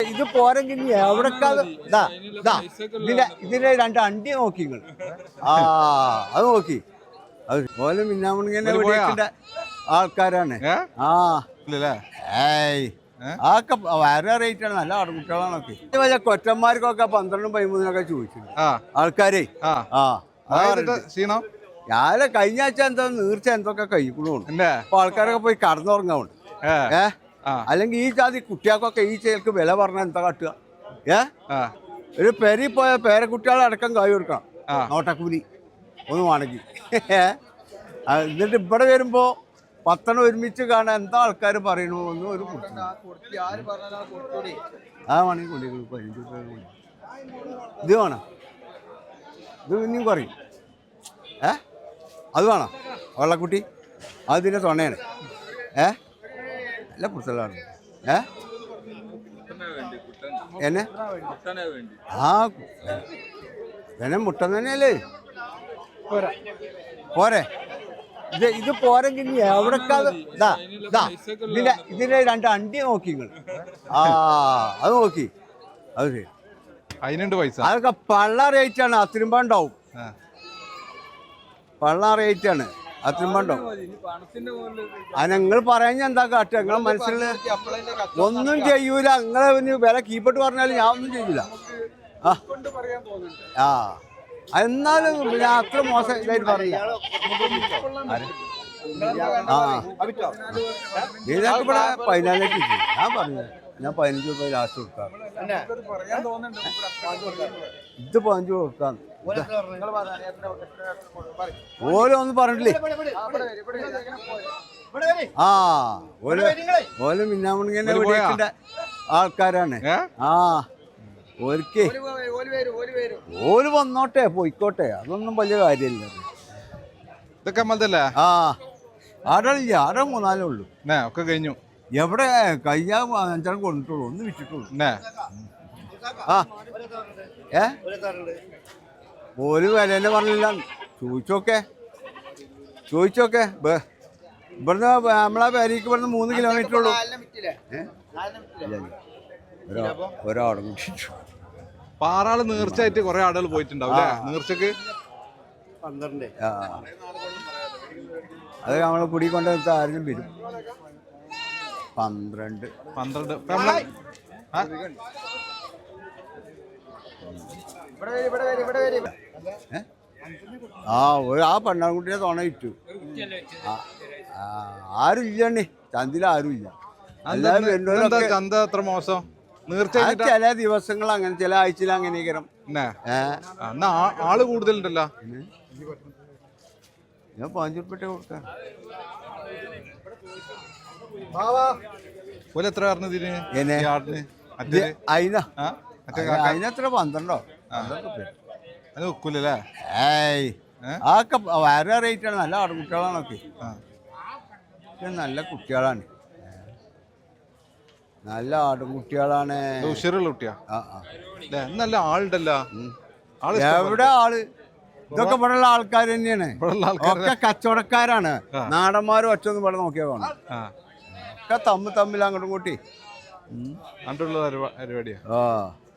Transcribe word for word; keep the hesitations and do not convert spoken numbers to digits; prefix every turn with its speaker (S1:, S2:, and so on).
S1: ഇത് പോരെങ്കിൽ എവിടൊക്കെ ഇതിന്റെ ഇതിന്റെ രണ്ട് അണ്ടി നോക്കി നിങ്ങൾ ആ അത് നോക്കി അത് പോലെ മിന്നാമണിങ്ങനെ വെടിയേണ്ട ആൾക്കാരാണ് ആ ഏയ് ആക്കെ വേറെ റേറ്റ് ആണ് നല്ല ആടുകുട്ടികളാണൊക്കെ വലിയ കൊറ്റന്മാർക്കൊക്കെ പന്ത്രണ്ടും പതിമൂന്നിനൊക്കെ ചോദിച്ചിട്ടുണ്ട് ആൾക്കാരെ ആ ഞാനെ കഴിഞ്ഞ ആഴ്ച എന്താ നീർച്ച എന്തൊക്കെ കഴിക്കണു അപ്പൊ ആൾക്കാരൊക്കെ പോയി കടന്നുറങ്ങാവുണ്ട് ഏ അല്ലെങ്കിൽ ഈ ജാതി കുട്ടികൾക്കൊക്കെ ഈ ചേർക്ക് വില പറഞ്ഞാൽ എന്താ കാട്ടുക ഏ ഒരു പെരി പോയ പേരക്കുട്ടികളെ അടക്കം കൈ കൊടുക്കണം നോട്ടക്കൂലി ഒന്ന് വേണമെങ്കിൽ എന്നിട്ട് ഇവിടെ വരുമ്പോ പത്തെണ്ണം ഒരുമിച്ച് കാണാൻ എന്താ ആൾക്കാർ പറയണു ഒന്നും ഒരു ആ വേണമെങ്കിൽ കൊണ്ടിരിക്കും പതിനഞ്ച് രൂപ ഇത് വേണം ഇത് ഇനിയും കുറയും ഏ അത് വേണം വെള്ളക്കുട്ടി അത് ഇതിൻ്റെ തൊണയാണ് ഏ അല്ല പുറത്തുള്ളതാണ് ഏ എന്നെ ആ എന്നെ മുട്ടൻ തന്നെയല്ലേ പോരെ ഇത് ഇത് പോരെങ്കിൽ എവിടൊക്കെ ഇതിന്റെ ഇതിന്റെ രണ്ട് അണ്ടി നോക്കി നിങ്ങൾ ആ അത് നോക്കി അത് ശരി
S2: അതിനുണ്ട് പൈസ
S1: അതൊക്കെ പള്ള റേറ്റ് ആണ് അത്തിരുമ്പ ഉണ്ടാവും പള്ള റേറ്റ് ആണ് അത്തിരുമ്പ ഉണ്ടാവും അത് നിങ്ങൾ പറയാൻ എന്താ കാട്ടുക നിങ്ങളെ മനസ്സിൽ ഒന്നും ചെയ്യൂല നിങ്ങളെ പിന്നെ വില കീപ്പിട്ട് പറഞ്ഞാലും ഞാൻ ഒന്നും ചെയ്യൂല ആ ആ എന്നാലും പിന്നെ അത്ര മോശം ഇതായിട്ട് പറഞ്ഞില്ല ആ ഇതിനൊക്കെ ഇവിടെ പതിനാലേക്ക് ഞാൻ പറഞ്ഞു ഞാൻ പതിനഞ്ച് രൂപ ലാസ്റ്റ് കൊടുക്കാം ഇത് പതിനഞ്ച് കൊടുക്കാം ഓരോ ഒന്നും പറഞ്ഞില്ലേ ആ ഓരോ ഓരോ മിന്നാമണിങ്ങനെ വെടിയേണ്ട ആൾക്കാരാണ് ആ ഓർക്ക് ഓര് വന്നോട്ടെ പോയിക്കോട്ടെ അതൊന്നും വലിയ കാര്യമില്ല
S2: ഇതൊക്കെ
S1: ആ ആടല്ല ആടെ മൂന്നാലേ ഉള്ളൂ
S2: ഒക്കെ കഴിഞ്ഞു
S1: എവിടെ കഴിഞ്ഞാൽ അഞ്ചാം കൊണ്ടിട്ടുള്ളൂ ഒന്ന് വിറ്റിട്ടുള്ളൂ ആ ഏ ഒരു വില തന്നെ പറഞ്ഞില്ല ചോദിച്ചോക്കെ ചോദിച്ചോക്കെ ഇവിടുന്ന് നമ്മളെ പേരേക്ക് ഇവിടുന്ന് മൂന്ന് കിലോമീറ്റർ ഉള്ളൂ ഒരാടും
S2: പാറാള് നേർച്ചയായിട്ട് കുറെ ആളുകൾ പോയിട്ടുണ്ടാവും നേർച്ചക്ക്
S1: പന്ത്രണ്ട് അത് നമ്മളെ കുടി കൊണ്ട് നിർത്താൻ ആരും വരും പന്ത്രണ്ട്
S2: പന്ത്രണ്ട്
S1: ആ ഒരു ആ പെണ്ണാൻകുട്ടിയെ തോണ ഇട്ടു ആരും ഇല്ലണ്ണേ ചന്തിൽ ആരും ഇല്ല
S2: ചന്ത എത്ര മോശം
S1: ചില ദിവസങ്ങൾ അങ്ങനെ ചില ആഴ്ചയിൽ അങ്ങനെ
S2: ആള് കൂടുതലുണ്ടല്ലോ
S1: ഞാൻ പതിനഞ്ചുറുപ്യ കൊടുക്കാം
S2: എത്ര
S1: അതിനെത്ര പന്ത്രണ്ടോ
S2: അത് വെക്കൂലേ
S1: ഏയ് ആക്കെ വേറെ റേറ്റ് ആണ് നല്ല ആടുകുട്ടികളാണൊക്കെ നല്ല കുട്ടികളാണ് നല്ല ആടുകുട്ടികളാണ്
S2: ഉഷാറുള്ള കുട്ടിയാ നല്ല ആളുണ്ടല്ലോ
S1: എവിടെ ആള് ഇതൊക്കെ ഇവിടെയുള്ള ആൾക്കാർ തന്നെയാണ് ഒക്കെ കച്ചവടക്കാരാണ് നാടന്മാരും ഒറ്റൊന്നും ഇവിടെ നോക്കിയാൽ കാണും ഒക്കെ തമ്മിൽ തമ്മിൽ അങ്ങോട്ടും കൂട്ടി
S2: പരിപാടിയാ
S1: ആ